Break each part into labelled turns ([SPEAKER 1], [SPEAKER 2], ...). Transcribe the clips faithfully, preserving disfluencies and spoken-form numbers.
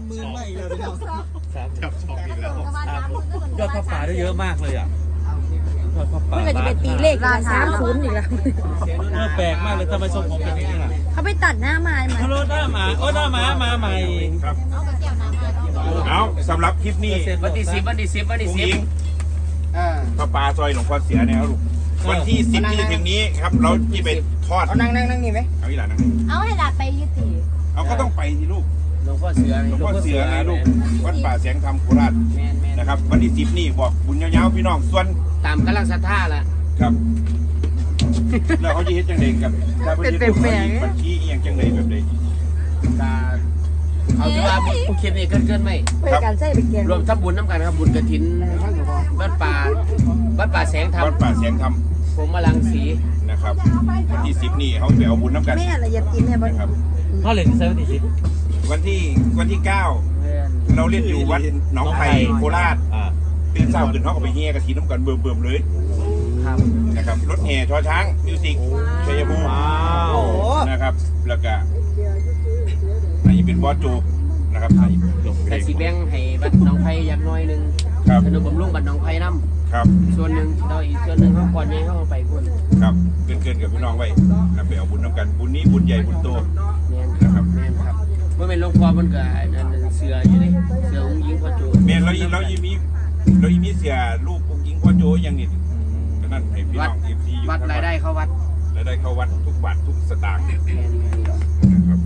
[SPEAKER 1] หมื่นไม่เลยพี่น้องสามจับช็อกอีกแล้ว
[SPEAKER 2] ยอดผ้าป่าได้เยอะมากเลยอ่ะยอดผ้าป่า
[SPEAKER 3] มันก็จะเป็นตีเลขละสามศูนย์อีกแล้ว
[SPEAKER 2] เออแปลกมากเลยทำไมทรงผมเป็นอย่างนี้ล่ะ
[SPEAKER 3] เขาไปตัดหน้ามาใหม่
[SPEAKER 2] ฮัลโหลหน้าหมาโอ้หน้าหมามาใหม่
[SPEAKER 4] ครับเอาสำหรับคลิปนี้
[SPEAKER 5] วันที่สิบวันที่สิบวันที่สิบ
[SPEAKER 4] พระปลาซอยหลวงพ่อเสียเนี่ยครับลูกวันที่สิบที่จะถึงนี้ครับเราที่ไปทอด
[SPEAKER 5] เอานั่งนั่งนั่งนี่ไหม
[SPEAKER 4] เอาอีหลานนั่ง
[SPEAKER 3] เอาให้หลานไปยุติ
[SPEAKER 4] เอาก็ต้องไปสิลูก
[SPEAKER 5] หลวงพ่อเสือ
[SPEAKER 4] หลวงพ่อเสือไงลูกวัดป่าแสงธรรมโคราช
[SPEAKER 5] แมนแมน
[SPEAKER 4] นะครับวันที่สิบนี่บอกบุญยาวๆพี่น้องส่วน
[SPEAKER 5] ตามกำลังศรัทธาละ
[SPEAKER 4] ครับแล้วเขาจะเฮ็ดจังไดกับถ้าเพิ่นเฮ็ดบัญชีอีหยังจังไดแบบใด
[SPEAKER 5] กาเอาที่ว่าผู้คิดนี่เกินเกินไหม
[SPEAKER 3] ไปการใช้ไปเกียน
[SPEAKER 5] รวมทับบุญน้ำกันครับบุญกฐินวัดป่าวัดป่าแสงธรรม
[SPEAKER 4] วัดป่าแสงธรรม
[SPEAKER 5] ผมมาลังสี
[SPEAKER 4] นะครับวันที่สิบนี่เขาไปเอาบุญน้ำกัน
[SPEAKER 3] แม่ละเอียดกินเนี่ยบ่
[SPEAKER 4] นะครับ
[SPEAKER 2] เขาเหรียญที่ใช้วันที่สิบ
[SPEAKER 4] วันที่วันที่เก้าเราเล่นอยู่วัดหนองไผ่โคราช
[SPEAKER 2] อ่า
[SPEAKER 4] ตื่นเช้าขึ้นเขาก็ไปเฮียกระถินน้ำกันเบิ่มๆเลย
[SPEAKER 5] ครับ
[SPEAKER 4] นะครับรถแห่ชอช้างมิวสิกชัยภูมิ
[SPEAKER 2] ว้าว
[SPEAKER 4] นะครับแล้วก็อันนี้เป็นบอสโจนะครับอันนี้เป็น
[SPEAKER 5] แต่สีแบงให้บัดน้องไผ่ยักน้อยหนึ่ง
[SPEAKER 4] ครับ
[SPEAKER 5] ขนมบำรุงบัดน้องไผ่น้
[SPEAKER 4] ครับ
[SPEAKER 5] ำส่วนหนึ่งเราอีกส่วนหนึ่งเขาก่อนใหญ่เขาเอาไปพุ่น
[SPEAKER 4] ครับเกินเกินๆกับพี่น้องไว้นะไปเอาบุญน้ำกันบุญนี้บุญใหญ่บุญโต
[SPEAKER 5] แมน
[SPEAKER 4] นะครับ
[SPEAKER 5] แมนครับเมื่อเป็นหลวงพ่อมันก็นั่นเสืออยู่นี่เสือองค์หญิงพ่อโจ
[SPEAKER 4] เมียนเราอีเราอีมีเราอีมีเสียลูกองค์หญิงพ่อโจอย่างนี้ก็นั่นให้พี่น้องเอฟซีอยู่
[SPEAKER 5] วัดรายได้เข้าวัด
[SPEAKER 4] รายได้เข้าวัดทุกบาททุกสตางค์
[SPEAKER 5] แมน
[SPEAKER 4] นะครับ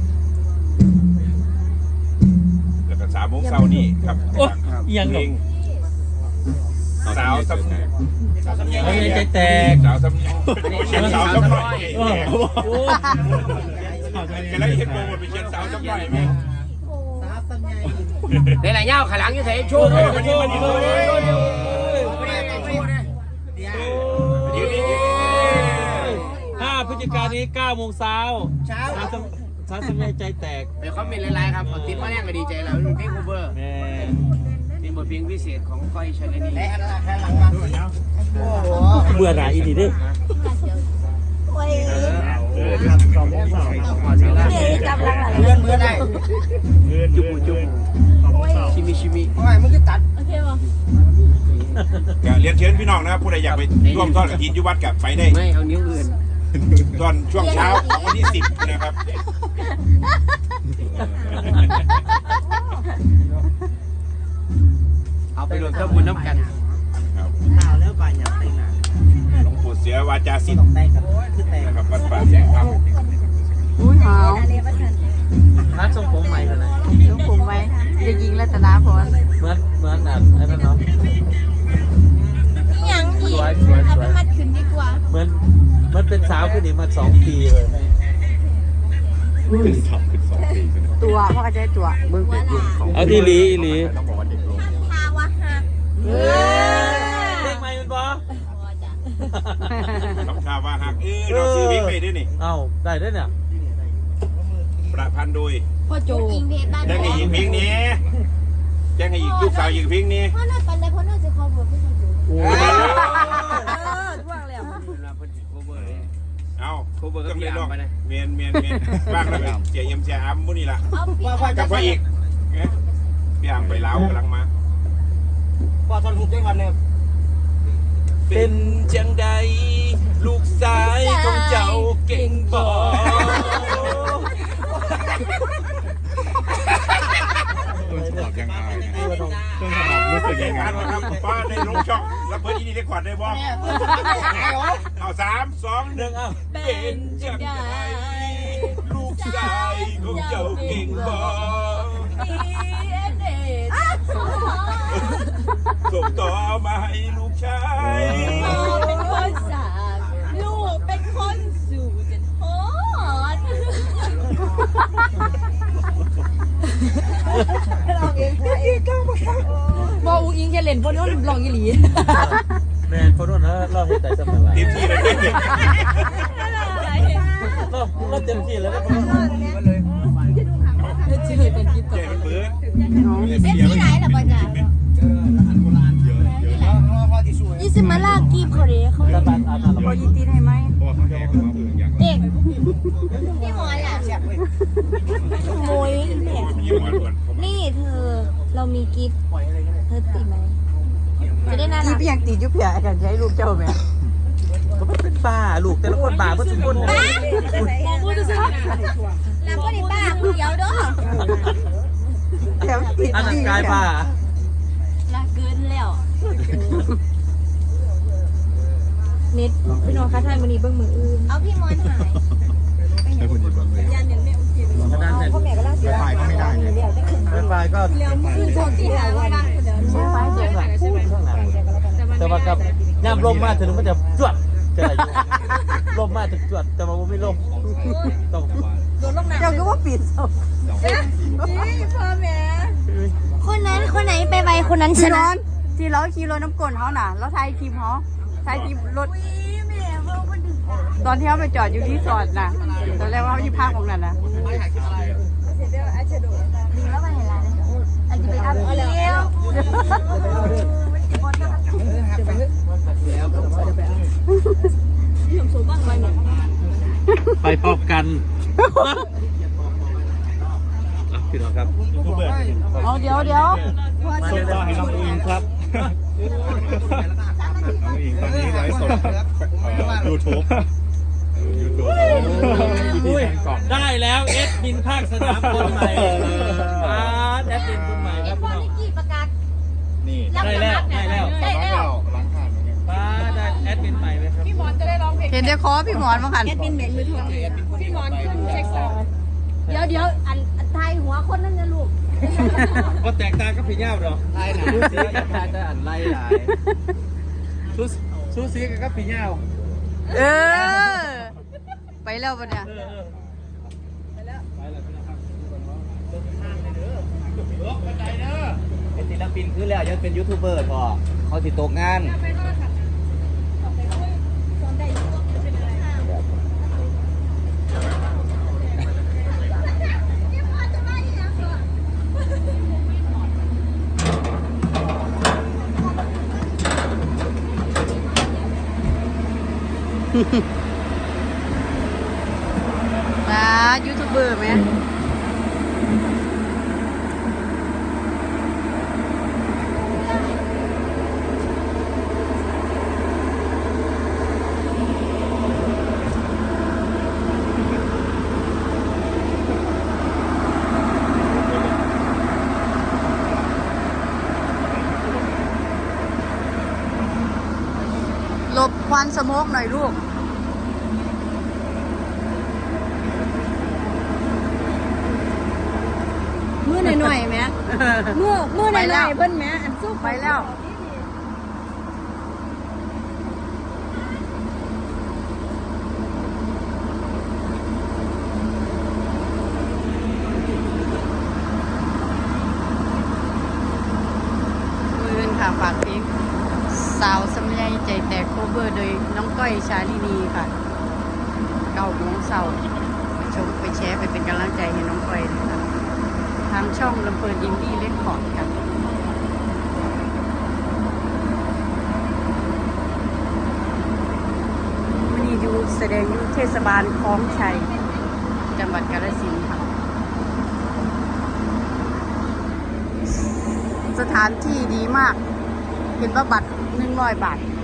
[SPEAKER 4] แล้วก็สามโมงเช้านี่ครับ
[SPEAKER 2] โอ้ยัง
[SPEAKER 4] เพ
[SPEAKER 2] ห
[SPEAKER 4] ล
[SPEAKER 2] ลง
[SPEAKER 4] งสาวสำเนียง
[SPEAKER 2] เฮ้ยใจแตก
[SPEAKER 4] สาวสำเนียงเชียนสาวสำน้อย
[SPEAKER 2] โอ้โห
[SPEAKER 4] กันแล้วเห็นโปรโมทเป็นเชียนสาวสำน้อยไหม
[SPEAKER 5] ในหลายเย้าขาหลังอยู่ไหนโชว์ด้วย
[SPEAKER 2] โชว์โชว์โชว์ห้าพฤศจิกายนนี้เก้าโมงเช้าเช้าช้าสมัยใจแตก
[SPEAKER 5] เดี๋ยวเขามีหลายๆครับติดมาแรกก็ดีใจแล้วเพลงคูเบอร์
[SPEAKER 2] แม่
[SPEAKER 5] เป็นบทเพลงพิเศษของก้อยชลนี
[SPEAKER 2] เบื่อหน่ายอีนี่ดิ
[SPEAKER 3] โอ้ย
[SPEAKER 5] เดี๋ยวจับหลังหลัง
[SPEAKER 1] เพื่อนเพื่อนได้
[SPEAKER 5] จุบจุบชิมิชิมิ
[SPEAKER 1] โอ้ยมึงก็ตัด
[SPEAKER 3] โอเคป่ะ
[SPEAKER 4] เรียนเชิญพี่น้องนะครับผู้ใดอยากไปร่วมทอดกฐินยุวัดกับไปได้
[SPEAKER 5] ไม่เอานิ้วอื่น
[SPEAKER 4] ตอนช่วงเช้าของวันที่สิบนะครับ
[SPEAKER 5] เอาไปรวมทับบุญน้ำกัน
[SPEAKER 4] ครับ
[SPEAKER 1] หนาวแล้วป่านอยากแต่งหนา
[SPEAKER 4] หลวงปู่เสือวาจาศิษ
[SPEAKER 1] ต้อ
[SPEAKER 4] ย์
[SPEAKER 1] งแต่งกันคือแต่ง
[SPEAKER 4] นะครับวัดป่าแสงธรรม
[SPEAKER 3] อุ้ยหาว
[SPEAKER 2] นัดทรงผมใหม่กันนะ
[SPEAKER 3] ต้องผมไว้จะยิงรัตนาพร
[SPEAKER 2] เหมือนเหมือนอ่ะไอ้นั่นเนาะ
[SPEAKER 3] ยังอีก
[SPEAKER 2] สวยสวยสวย
[SPEAKER 3] มัดขึ้นดีกว่า
[SPEAKER 2] เหมือนมันเป็นสาวขึ้นอีกมาสองปีเลย
[SPEAKER 4] เป็นสองเป็นสองปี
[SPEAKER 3] ตัวพ่อจะได้ตัว
[SPEAKER 5] มึงเป็นกลุ่มของ
[SPEAKER 2] เอาที่ลีอีหลี
[SPEAKER 4] ต้องบอกว่าเด็กลง
[SPEAKER 3] ทาวะฮะ
[SPEAKER 2] เพลงใหม่มันบอ
[SPEAKER 4] น้องชาวาหักเออเราซื้อวิ่งไปด้วยนี่
[SPEAKER 2] เอ้าได้ด้วยเนี่ย
[SPEAKER 4] ประพันธ์โดย
[SPEAKER 3] พ่อโจยิงเพชรบ้าน
[SPEAKER 4] แจ้งให้หญิงเพลงนี้แจ้งให้หญิงลูกสาวหญิงเพลงนี้
[SPEAKER 3] พ่อน่าปันได้พ่อน่าจะคอเบอร์พี่พ่อโจ
[SPEAKER 2] โอ้
[SPEAKER 3] เออท่วงแล้ว
[SPEAKER 4] เอา
[SPEAKER 5] โคเบอร์ก็
[SPEAKER 4] ต้อง
[SPEAKER 5] มี
[SPEAKER 4] เล่น
[SPEAKER 5] อ่า
[SPEAKER 4] อก
[SPEAKER 5] ไปนะ
[SPEAKER 4] เมียนเมียนเมียนบ้างแล้วไปเจียเอ็มเจียอัมมุนี่ล่ะ
[SPEAKER 3] เอาปี
[SPEAKER 4] กับพ่ออีกพี่อัมไปเล้ากำลังมา
[SPEAKER 1] พอทอนหุบได้วันเนี่ย
[SPEAKER 4] เป็นจังใดลูกสายของเจ้าเก่งบ่ต้นฉบับยังไงต้นฉบับรู้สึกยังไงครับป้าได้ลงช่องแล้วเพิ่นอีนี่ได้ขวัญได้บ่เอาสามสองหนึ่งเอาเป็นจังใดลูกสายของเจ้าเก่งบ่ส่งต่อมาให้ลูกชาย
[SPEAKER 3] เป็นคนสามลูกเป็นคนสู่จนฮอดบอกอุ้งอิงแค่เล่นพวกนี้ลองอีหลี
[SPEAKER 2] แมนคนนู้นนะเราเห็นใจสมัยไร
[SPEAKER 4] เต็มที่เลยเด็ก
[SPEAKER 2] เราเราเต็มที่แล้ว
[SPEAKER 3] เจอเป็นคลิปต่อ
[SPEAKER 4] เจ๊มันเบิร์ด
[SPEAKER 3] เอฟซีไหนล่ะป้าจ๋ายี่สิบมาลากกีบเขาเด้เขา
[SPEAKER 2] ตาบานอาบน้ำ
[SPEAKER 3] พอยีตีนให้ไหม
[SPEAKER 4] พอเขาแหกมาเบื่ออย่าง
[SPEAKER 3] เด็กพี่หมอนล่ะขโมยเนี่ย
[SPEAKER 4] มีหมอนหวน
[SPEAKER 3] นี่มีกิฟต์เธอติดไหมจะได้น่า
[SPEAKER 6] กี
[SPEAKER 3] รัก
[SPEAKER 6] เพียงตีจุ๊บเพียกันใช้ลูกเจ้าแม่
[SPEAKER 2] ก็มันเป็นบ้าลูกแต่ละคนบ้าเพื่อทุกคนเลย
[SPEAKER 3] มองพูดจะซื้อแล้วก็ได้บ้าคนเดียวเด้อ
[SPEAKER 6] แถมติด
[SPEAKER 2] อันนั้นกายบ้า
[SPEAKER 3] ละเกินแล้วเน็ตพี่น้องคะท่านวันนี้เบิ้งมืออื่นเอาพี่มอนหาย
[SPEAKER 4] ใช่คนยินบ้างเลย
[SPEAKER 3] ยันยันไม่โอเค
[SPEAKER 2] ขนาดนั้น
[SPEAKER 6] พ่อแม่ก็ล่าสุด
[SPEAKER 4] ไฟก็ไม่ได้เนี่ย
[SPEAKER 2] เป็นบ้าก็
[SPEAKER 3] แล้วมือโชคดีแล้วว่าคนเดียว
[SPEAKER 2] ใช่ไหมเจ๋งหลังพูดข้างหลังแต่ว่ากับย่ำลมมาถึงมันจะจวดจะอะไรอยู่ลมมาถึงจวดแต่ว่าไม่ลมต้อง
[SPEAKER 3] โดนลงน้ำ
[SPEAKER 6] เจ้าก็ว่าปิดศพ
[SPEAKER 3] นี่พ่อแม่คนนั้นคนไหนไปไวคนนั้นช
[SPEAKER 6] ที่
[SPEAKER 3] นะ
[SPEAKER 6] ร้อนที่เราขี่รถน้ำกลนเขาน่ะเราถ่ายคลิปเขาถ่ายคลิปรถตอนที่เขาไปจอดอยู่ที่สอดน่ะตอนแรกว่าเขาอยู่ภาคของนั้นนะ
[SPEAKER 3] ดีแล้วไปเห็นแล้วอาจจะไปอัพเดียวผมสูงบ้างไว้หน่อย
[SPEAKER 2] ไปพบกันพี่น้องครับ
[SPEAKER 6] เอาเดี๋ยวเดี๋ยว
[SPEAKER 2] ส่งต่อให้น้องอิงครับ
[SPEAKER 4] น้องอิงตอนนี้ไลฟ์สดยูทูบยูทูบ
[SPEAKER 2] อุ้ยได้แล้วเอสบินภาคสนามคนใหม่อาร์ตแอดมินคนใหม่ครับ
[SPEAKER 3] พ่อ
[SPEAKER 2] พี่น้อง
[SPEAKER 3] นิกกี้ประกาศ
[SPEAKER 4] นี่
[SPEAKER 2] ได้แล้วได้แล้ว
[SPEAKER 3] ได้แล้ว
[SPEAKER 4] ล้างผ่านเนี่ย
[SPEAKER 2] ป้าได้แอดมินใหม่ไหมครับ
[SPEAKER 6] เห็นได้คอพี่หมอนมากัน
[SPEAKER 3] แอดมินเหม็นมือทองพี่มอนขึ้นเช็คสองเดี๋ยวเดี๋ยวอันอันไทยหัวคนนั้นนะลูก
[SPEAKER 2] ก็แตกต่างกับพี่ย่าหรอไล่หนาซูซีกับตาจะอ่านไล่หลายซูซูซีกับพี่ย่า
[SPEAKER 6] เออ ไปแล้วปะเนี่ย
[SPEAKER 1] เป็นศิลปินคือแล้วยังเป็นยูทูบเบอร์พอเขาติดตกงาน
[SPEAKER 6] นะยูทูบเบอร์ไหมหลบควันสโมกหน่อยลูก
[SPEAKER 3] มือหน่อยๆแม่มือมือหน่อยๆเพิ่นแม่อันสู้
[SPEAKER 6] ไปแล้ว มือเป็นค่ะฝากเพลงสาวสมัยใจแตกโคเวอร์โดยน้องก้อยชาลินีค่ะเก้าโมงเสาร์ไปชมไปแชร์ไปเป็นกำลังใจให้น้องก้อยเลยค่ะทางช่องลำเพลินอินดี้เล่นขอร์ดค่ะวันนี้อยู่แสดงอยู่เทศบาลคลองชัย จังหวัดกาฬสินธุ์ค่ะ สถานที่ดีมาก เห็นว่าบัตรหนึ่งร้อยบาท